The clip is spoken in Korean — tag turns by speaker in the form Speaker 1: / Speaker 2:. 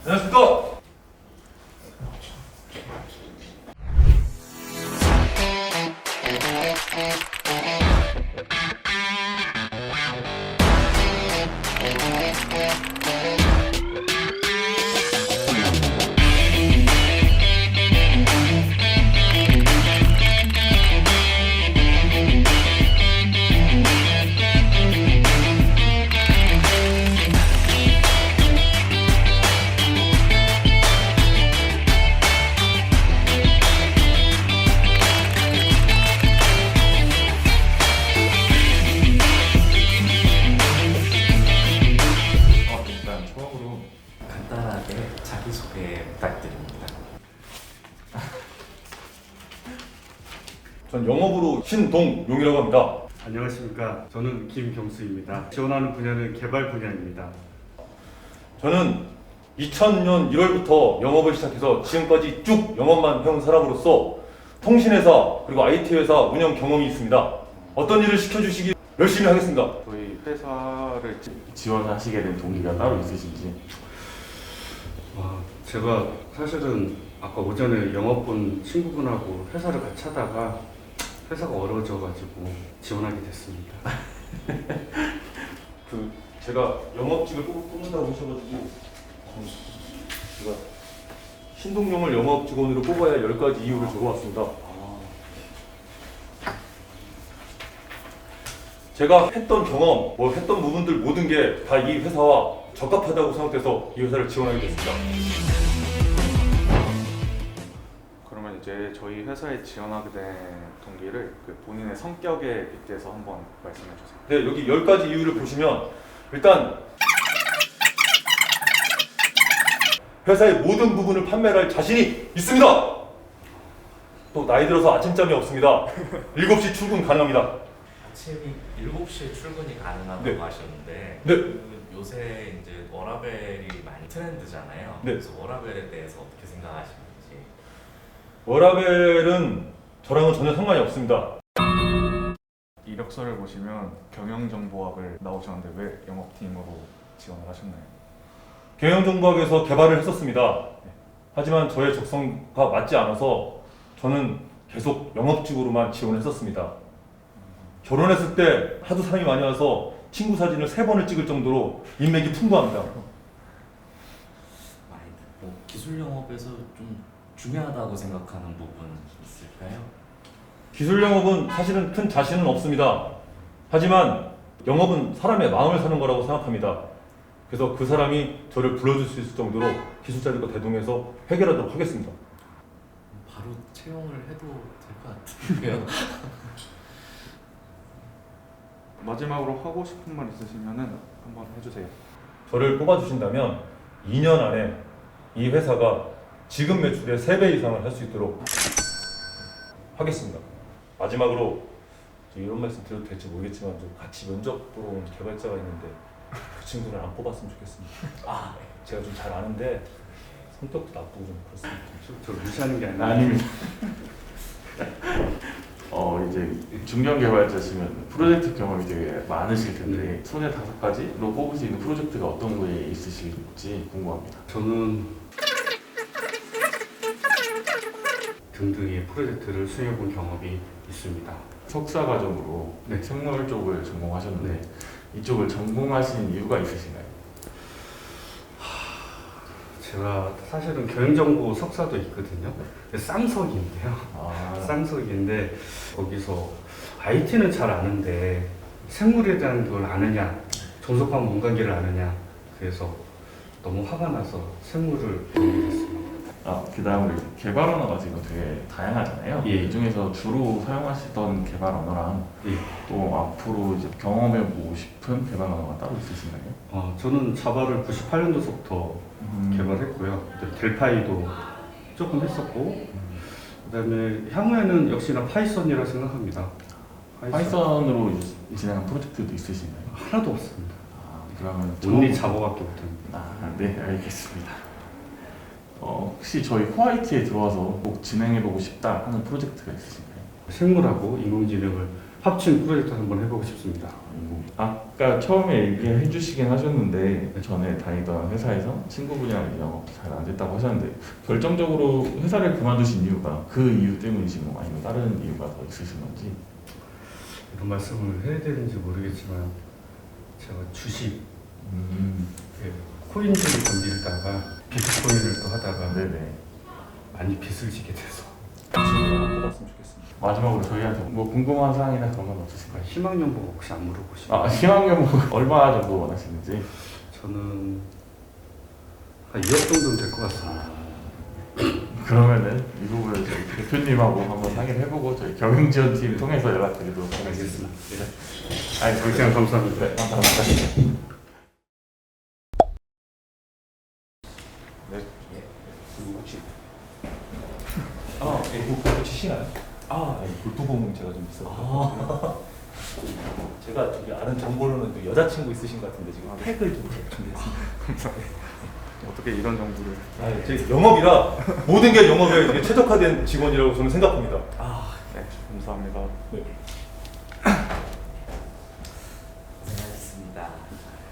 Speaker 1: 안녕하십니까.
Speaker 2: 일단 처음으로
Speaker 3: 간단하게 자기소개 부탁드립니다.
Speaker 1: 전 영업으로 신동용이라고 합니다.
Speaker 4: 안녕하십니까. 저는 김경수입니다. 지원하는 분야는 개발 분야입니다.
Speaker 1: 저는 2000년 1월부터 영업을 시작해서 지금까지 쭉 영업만 해온 사람으로서 통신회사 그리고 IT회사 운영 경험이 있습니다. 어떤 일을 시켜주시기 열심히 하겠습니다.
Speaker 2: 저희 회사를 지원하시게 된 동기가 따로 있으신지.
Speaker 4: 제가 사실은 아까 오전에 영업 본 친구분하고 회사를 같이 하다가 회사가 어려워져가지고 지원하게 됐습니다.
Speaker 1: 제가 영업직을 뽑는다고 하셔가지고 제가 신동용을 영업 직원으로 뽑아야 10가지 이유를 적어왔습니다. 제가 했던 경험, 했던 부분들 모든 게 다 이 회사와 적합하다고 생각돼서 이 회사를 지원하게 됐습니다.
Speaker 2: 그러면 이제 저희 회사에 지원하게 된 동기를 본인의 성격에 빗대서 한번 말씀해 주세요.
Speaker 1: 네, 여기 10가지 이유를 보시면 일단 회사의 모든 부분을 판매를 할 자신이 있습니다. 또 나이 들어서 아침잠이 없습니다. 7시 출근 가능합니다.
Speaker 3: 아침이 7시에 출근이 가능하다고
Speaker 1: 네.
Speaker 3: 하셨는데
Speaker 1: 네.
Speaker 3: 요새 이제 워라벨이 많이 트렌드잖아요.
Speaker 1: 네.
Speaker 3: 그래서 워라벨에 대해서 어떻게 생각하시는지.
Speaker 1: 워라벨은 저랑은 전혀 상관이 없습니다.
Speaker 2: 이력서를 보시면 경영정보학을 나오셨는데 왜 영업팀으로 지원을 하셨나요?
Speaker 1: 경영정보학에서 개발을 했었습니다. 하지만 저의 적성과 맞지 않아서 저는 계속 영업직으로만 지원을 했었습니다. 결혼했을 때 하도 사람이 많이 와서 친구 사진을 3번을 찍을 정도로 인맥이 풍부합니다.
Speaker 3: 기술 영업에서 좀 중요하다고 생각하는 부분 있을까요?
Speaker 1: 기술 영업은 사실은 큰 자신은 없습니다. 하지만 영업은 사람의 마음을 사는 거라고 생각합니다. 그래서 그 사람이 저를 불러줄 수 있을 정도로 기술자들과 대동해서 해결하도록 하겠습니다.
Speaker 3: 바로 채용을 해도 될 것 같은데요.
Speaker 2: 마지막으로 하고 싶은 말 있으시면은 한번 해주세요.
Speaker 1: 저를 뽑아주신다면 2년 안에 이 회사가 지금 매출의 3배 이상을 할 수 있도록 하겠습니다. 마지막으로 이런 말씀 드려도 될지 모르겠지만 좀 같이 면접 보러 온 개발자가 있는데 그 친구를 안 뽑았으면 좋겠습니다. 제가 좀 잘 아는데 성격도 나쁘고 좀 그렇습니다.
Speaker 4: 저 무시하는 게 아니라
Speaker 2: 아닙니다. 이제 중견 개발자시면 프로젝트 경험이 되게 많으실 텐데 손에 5가지로 뽑을 수 있는 프로젝트가 어떤 거에 있으실지 궁금합니다.
Speaker 4: 저는 등등의 프로젝트를 수행해본 경험이 있습니다.
Speaker 2: 석사 과정으로
Speaker 4: 네.
Speaker 2: 생물 쪽을 전공하셨는데
Speaker 4: 네.
Speaker 2: 이쪽을 전공하신 이유가 있으신가요?
Speaker 4: 제가 사실은 경영정보 석사도 있거든요. 쌍석인데요. 쌍석인데 거기서 IT는 잘 아는데 생물에 대한 걸 아느냐, 존속한 문관계를 아느냐, 그래서 너무 화가 나서 생물을 배우게 됐습니다.
Speaker 2: 그 다음으로 개발 언어가 지금 되게 다양하잖아요.
Speaker 4: 예.
Speaker 2: 이 중에서 주로 사용하시던 개발 언어랑
Speaker 4: 예.
Speaker 2: 또 앞으로 이제 경험해보고 싶은 개발 언어가 따로 있으신가요?
Speaker 4: 저는 자바를 98년도부터 개발했고요. 델파이도 조금 했었고, 그다음에 향후에는 역시나 파이썬이라 생각합니다.
Speaker 2: 파이썬으로 진행한 프로젝트도 있으신가요?
Speaker 4: 하나도 없습니다.
Speaker 2: 그러면
Speaker 4: 온리 자바밖에 못합니다.
Speaker 2: 네, 알겠습니다. 혹시 저희 호화이트에 들어와서 꼭 진행해보고 싶다 하는 프로젝트가 있으신가요?
Speaker 4: 생물하고 인공지능을 합친 프로젝트 한번 해보고 싶습니다.
Speaker 2: 아까 처음에 얘기해 주시긴 하셨는데 전에 다니던 회사에서 친구분이랑 영업 잘 안 됐다고 하셨는데 결정적으로 회사를 그만두신 이유가 그 이유 때문이신가요? 아니면 다른 이유가 더 있으신 건지?
Speaker 4: 이런 말씀을 해야 되는지 모르겠지만 제가 주식 코인들을 건드리다가 비트코인을 또 하다가
Speaker 2: 네네.
Speaker 4: 많이 빚을 지게 돼서
Speaker 1: 질문 받았으면 좋겠습니다.
Speaker 2: 마지막으로 저희한테 뭐 궁금한 사항이나 그런 건 없으실까요?
Speaker 4: 희망연봉 혹시 안 물어보시나요?
Speaker 2: 아, 희망연봉 얼마 정도 원하시는지?
Speaker 4: 저는 한 2억 정도는 될 것 같습니다.
Speaker 2: 그러면은 이 부분을 저희 대표님하고 한번 상의를 해보고 저희 경영지원팀 통해서 연락드리도록 하겠습니다.
Speaker 4: 알겠습니다. 네. 시간 감사합니다.
Speaker 2: 네, 감사합니다.
Speaker 1: 그리고 혹시 골프 치시나요? 골프공 제가 좀 있어요. 제가 저기 아는 정보로는 그 여자친구 있으신 것 같은데 지금 팩을 좀 준비했습니다.
Speaker 5: 어떻게 이런 정보를?
Speaker 1: 제 영업이라 모든 게 영업에 이게 최적화된 직원이라고 저는 생각합니다.
Speaker 5: 네, 감사합니다.
Speaker 1: 네.
Speaker 3: 고생하셨습니다.